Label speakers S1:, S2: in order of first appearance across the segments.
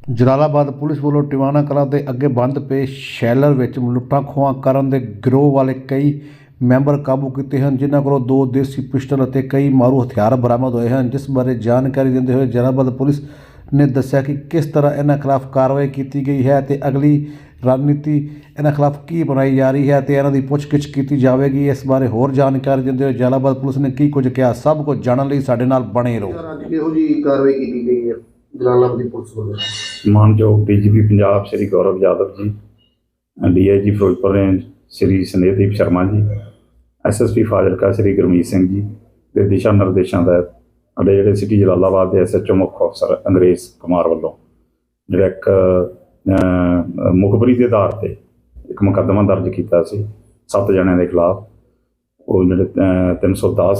S1: Jalalabad police ਵੱਲੋਂ ਟਿਵਾਣਾ ਕਲਾਂ ਦੇ ਅੱਗੇ ਬੰਦ ਪਏ ਸ਼ੈਲਰ ਵਿੱਚ ਲੁੱਟਾਂ ਖੋਹਾਂ ਕਰਨ ਦੇ ਗਿਰੋਹ ਵਾਲੇ ਕਈ ਮੈਂਬਰ ਕਾਬੂ ਕੀਤੇ ਹਨ, ਜਿਨ੍ਹਾਂ ਕੋਲੋਂ 2 ਦੇਸੀ ਪਿਸਟਲ ਅਤੇ ਕਈ ਮਾਰੂ ਹਥਿਆਰ ਬਰਾਮਦ ਹੋਏ ਹਨ। ਜਿਸ ਬਾਰੇ ਜਾਣਕਾਰੀ ਦਿੰਦੇ ਹੋਏ ਜਲਾਲਾਬਾਦ ਪੁਲਿਸ ਨੇ ਦੱਸਿਆ ਕਿ ਕਿਸ ਤਰ੍ਹਾਂ ਇਹਨਾਂ ਖਿਲਾਫ ਕਾਰਵਾਈ ਕੀਤੀ ਗਈ ਹੈ ਅਤੇ ਅਗਲੀ ਰਣਨੀਤੀ ਇਹਨਾਂ ਖਿਲਾਫ ਕੀ ਬਣਾਈ ਜਾ ਰਹੀ ਹੈ ਅਤੇ ਇਹਨਾਂ ਦੀ ਪੁੱਛਗਿੱਛ ਕੀਤੀ ਜਾਵੇਗੀ। ਇਸ ਬਾਰੇ ਹੋਰ ਜਾਣਕਾਰੀ ਦਿੰਦੇ ਹੋਏ ਜਲਾਲਾਬਾਦ ਪੁਲਿਸ ਨੇ ਕੀ ਕੁਝ ਕਿਹਾ, ਸਭ ਕੁਝ ਜਾਣਨ ਲਈ ਸਾਡੇ ਨਾਲ ਬਣੇ ਰਹੋ।
S2: ਅੱਜ ਕਿਹੋ ਜਿਹੀ ਕਾਰਵਾਈ ਕੀਤੀ ਗਈ ਹੈ ਜਲਾਲਾਬਾਦ ਦੀ ਪੁਲਿਸ ਵੱਲੋਂ?
S3: ਮਾਨਯੋਗ DGP Punjab Shri Gaurav Yadav ji, DIG Firozpur range Shri Snehdeep Sharma ji, SSP Fazilka Shri Gurmeet Singh ਜੀ ਦੇ ਦਿਸ਼ਾ ਨਿਰਦੇਸ਼ਾਂ ਦਾ ਸਾਡੇ ਜਿਹੜੇ ਸਿਟੀ ਜਲਾਲਾਬਾਦ ਦੇ SHO ਮੁੱਖ ਅਫਸਰ ਅੰਗਰੇਜ਼ ਕੁਮਾਰ ਵੱਲੋਂ ਜਿਹੜਾ ਇੱਕ ਮੁਖਬਰੀ ਦੇ ਆਧਾਰ ਤੇ ਇੱਕ ਮੁਕੱਦਮਾ ਦਰਜ ਕੀਤਾ ਸੀ 7 ਜਣਿਆਂ ਦੇ ਖਿਲਾਫ। ਉਹ ਜਿਹੜੇ 310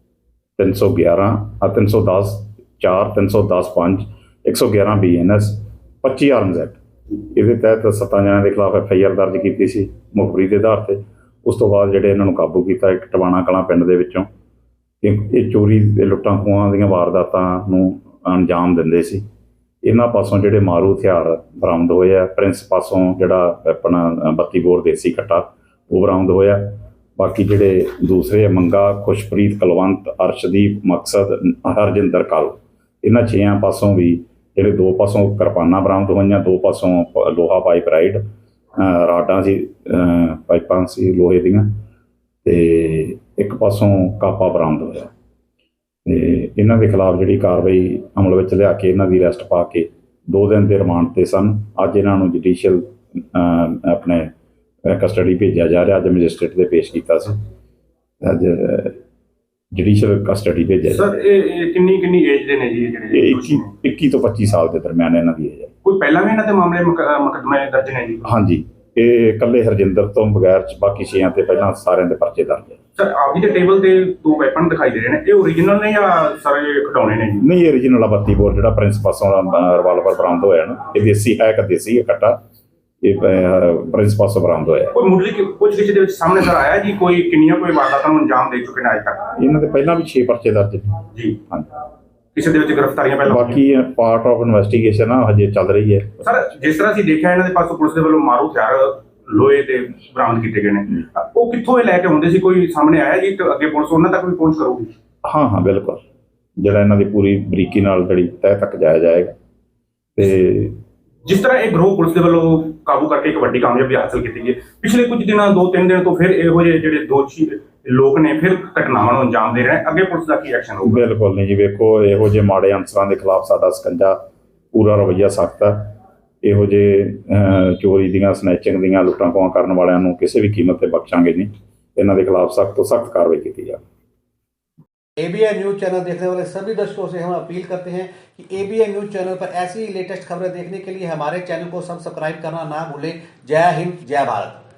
S3: 311 310 4 310 5 111 BNS 25 ਆਰਮਜ਼ ਐਕਟ, ਇਹਦੇ ਤਹਿਤ 7 ਜਣਿਆਂ ਦੇ ਖਿਲਾਫ FIR ਦਰਜ ਕੀਤੀ ਸੀ ਮੁਖਬਰੀ ਦੇ ਆਧਾਰ ਤੇ। ਉਸ ਤੋਂ ਬਾਅਦ ਜਿਹੜੇ ਇਹਨਾਂ ਨੂੰ ਕਾਬੂ ਕੀਤਾ ਇੱਕ ਟਿਵਾਣਾ ਕਲਾਂ ਪਿੰਡ ਦੇ ਵਿੱਚੋਂ। ਇਹ ਚੋਰੀ ਦੇ ਲੁੱਟਾਂ ਖੋਹਾਂ ਦੀਆਂ ਵਾਰਦਾਤਾਂ ਨੂੰ ਅੰਜਾਮ ਦਿੰਦੇ ਸੀ। ਇਹਨਾਂ ਪਾਸੋਂ ਜਿਹੜੇ ਮਾਰੂ ਹਥਿਆਰ ਬਰਾਮਦ ਹੋਏ ਆ, ਪ੍ਰਿੰਸ ਪਾਸੋਂ ਜਿਹੜਾ ਆਪਣਾ 32 ਬੋਰ ਦੇਸੀ ਕੱਟਾ ਉਹ ਬਰਾਮਦ ਹੋਇਆ। ਬਾਕੀ ਜਿਹੜੇ ਦੂਸਰੇ ਮੰਗਾ, ਖੁਸ਼ਪ੍ਰੀਤ, ਕੁਲਵੰਤ, ਅਰਸ਼ਦੀਪ, ਮਕਸਦ, ਹਰਜਿੰਦਰ ਕਲ, ਇਹਨਾਂ 6 ਪਾਸੋਂ ਵੀ ਜਿਹੜੇ 2 ਪਾਸੋਂ ਕਿਰਪਾਨਾਂ ਬਰਾਮਦ ਹੋਈਆਂ, 2 ਪਾਸੋਂ ਲੋਹਾ ਪਾਈਪ ਰਾਈਡ ਰਾਡਾਂ ਸੀ, ਪਾਈਪਾਂ ਸੀ ਲੋਹੇ ਦੀਆਂ, ਤੇ ਇੱਕ ਪਾਸੋਂ ਕਾਪਾ ਬਰਾਮਦ ਹੋਇਆ। ਤੇ ਇਹਨਾਂ ਦੇ ਖਿਲਾਫ ਜਿਹੜੀ ਕਾਰਵਾਈ ਅਮਲ ਵਿੱਚ ਲਿਆ ਕੇ ਇਹਨਾਂ ਦੀ ਅਰੈਸਟ ਪਾ ਕੇ 2 ਦਿਨ ਦੇ ਰਿਮਾਂਡ ਤੇ ਸਨ। ਅੱਜ ਇਹਨਾਂ ਨੂੰ ਜੁਡੀਸ਼ੀਅਲ ਆਪਣੇ ਕਸਟਡੀ ਭੇਜਿਆ ਜਾ ਰਿਹਾ। ਅੱਜ ਮੈਜਿਸਟ੍ਰੇਟ ਦੇ ਪੇਸ਼ ਕੀਤਾ ਸੀ, ਅੱਜ ਜੁਡੀਸ਼ੀਅਲ ਕਸਟਡੀ ਭੇਜਿਆ।
S4: ਸਰ ਇਹ ਕਿੰਨੀ ਏਜ ਦੇ ਨੇ ਜੀ ਜਿਹੜੇ?
S3: ਇਹ 21 ਤੋਂ 25 ਸਾਲ ਦੇ ਦਰਮਿਆਨ ਇਹਨਾਂ ਦੀ ਏਜ ਹੈ।
S4: ਕੋਈ ਪਹਿਲਾਂ ਵੀ ਇਹਨਾਂ ਦੇ ਮਾਮਲੇ ਮੁਕੱਦਮੇ ਦਰਜ ਨੇ ਜੀ?
S3: ਹਾਂਜੀ, ਇਹ ਇਕੱਲੇ ਹਰਜਿੰਦਰ ਤੋਂ ਬਗੈਰ ਬਾਕੀ 6 ਤੇ ਪਹਿਲਾਂ ਸਾਰਿਆਂ ਦੇ ਪਰਚੇ ਦਰਜ ਹੈ।
S4: ਸਰ ਆਪ ਜੀ ਦੇ ਟੇਬਲ ਤੇ 2 ਵੈਪਨ ਦਿਖਾਈ ਦੇ ਰਹੇ ਨੇ, ਇਹ ਓਰੀਜਨਲ ਨੇ ਜਾਂ ਸਾਰੇ ਖਿਡੌਣੇ ਨੇ ਜੀ?
S3: ਨਹੀਂ, ਇਹ ਓਰੀਜਨਲ 32 ਬੋਰ ਜਿਹੜਾ ਪ੍ਰਿੰਸ ਪਾਸੋਂ ਰਿਵਾਲਵਰ ਬਰਾਮਦ ਹੋਇਆ ਨਾ, ਇਹ ਦੇਸੀ ਹੈ, ਇੱਕ ਦੇਸੀ ਹੈ ਕੱਟਾ, ਇਹ ਪ੍ਰਿੰਸ ਪਾਸੋਂ ਬਰਾਮਦ ਹੋਇਆ।
S4: ਕੋਈ ਮੁੱਢਲੀ ਪੁੱਛਗਿੱਛ ਦੇ ਵਿੱਚ ਸਾਹਮਣੇ ਸਰ ਆਇਆ ਜੀ ਕੋਈ ਕਿੰਨੀਆਂ ਕੋਈ ਵਾਰਦਾਤਾਂ ਨੂੰ ਅੰਜਾਮ ਦੇ ਚੁੱਕੇ ਨੇ ਅੱਜ ਤੱਕ?
S3: ਇਹਨਾਂ ਦੇ ਪਹਿਲਾਂ ਵੀ 6 ਪਰਚੇ ਦਰਜ ਨੇ
S4: ਜੀ।
S3: ਹਾਂਜੀ,
S4: ਕਿਸੇ ਦੇ ਵਿੱਚ ਗ੍ਰਿਫਤਾਰੀਆਂ ਪਹਿਲਾਂ?
S3: ਬਾਕੀ ਪਾਰਟ ਆਫ ਇਨਵੈਸਟੀਗੇਸ਼ਨ ਆ, ਹਜੇ ਚੱਲ ਰਹੀ ਹੈ।
S4: ਸਰ ਜਿਸ ਤਰ੍ਹਾਂ ਅਸੀਂ ਦੇਖਿਆ ਇਹਨਾਂ ਦੇ ਪਾਸੋਂ ਪੁਲਿਸ ਦੇ ਵੱਲੋਂ ਮਾਰੂ ਹਥਿਆਰ ਲੋਹੇ ਦੇ ਬਰਾਮਦ ਕੀਤੇ ਗਏ ਨੇ, ਉਹ ਕਿੱਥੋਂ ਇਹ ਲੈ ਕੇ ਆਉਂਦੇ ਸੀ? ਕੋਈ ਸਾਹਮਣੇ ਆਇਆ ਜੀ? ਤੇ ਅੱਗੇ ਪੁਲਿਸ ਉਹਨਾਂ ਤੱਕ ਵੀ ਪਹੁੰਚ ਕਰੂਗੀ?
S3: ਹਾਂ, ਬਿਲਕੁਲ, ਜਿਹੜਾ ਇਹਨਾਂ ਦੀ ਪੂਰੀ ਬਰੀਕੀ ਨਾਲ ਜਿਹੜੀ ਤਹਿ ਤੱਕ ਜਾਇਆ ਜਾਏਗਾ। ਤੇ
S4: ਜਿਸ ਤਰ੍ਹਾਂ ਇਹ ਗਰੋਹ ਪੁਲਿਸ ਦੇ ਵੱਲੋਂ ਕਾਬੂ ਕਰਕੇ ਇੱਕ ਵੱਡੀ ਕਾਮਯਾਬੀ ਹਾਸਲ ਕੀਤੀ ਗਈ, ਪਿਛਲੇ ਕੁਝ ਦਿਨਾਂ 2-3 ਦਿਨ ਤੋਂ ਫਿਰ ਇਹੋ ਜਿਹੇ ਜਿਹੜੇ ਦੋਸ਼ੀ ਲੋਕ ਨੇ ਫਿਰ ਘਟਨਾਵਾਂ ਨੂੰ ਅੰਜਾਮ ਦੇ ਰਹੇ ਨੇ, ਅੱਗੇ ਪੁਲਿਸ ਦਾ ਕੀ ਐਕਸ਼ਨ ਹੋਊਗਾ?
S3: ਬਿਲਕੁਲ ਨਹੀਂ ਜੀ, ਵੇਖੋ ਇਹੋ ਜਿਹੇ ਮਾੜੇ ਅਨਸਰਾਂ ਦੇ ਖਿਲਾਫ ਸਾਡਾ ਸਕੰਜਾ ਪੂਰਾ ਰਵੱਈਆ ਸਖਤ ਹੈ। ਇਹੋ ਜਿਹੇ ਚੋਰੀ ਦੀਆਂ, ਸਨੈਚਿੰਗ ਦੀਆਂ, ਲੁੱਟਾਂ ਖੋਹਾਂ ਕਰਨ ਵਾਲਿਆਂ ਨੂੰ ਕਿਸੇ ਵੀ ਕੀਮਤ ਤੇ ਬਖਸ਼ਾਂਗੇ ਨਹੀਂ। ਇਹਨਾਂ के खिलाफ सख्त तो सख्त कार्रवाई की जाए।
S1: ABN न्यूज़ चैनल देखने वाले सभी दर्शकों से हम अपील करते हैं कि ABN न्यूज़ चैनल पर ऐसी लेटेस्ट खबरें देखने के लिए हमारे चैनल को सब्सक्राइब करना ना भूलें। जय हिंद, जय भारत।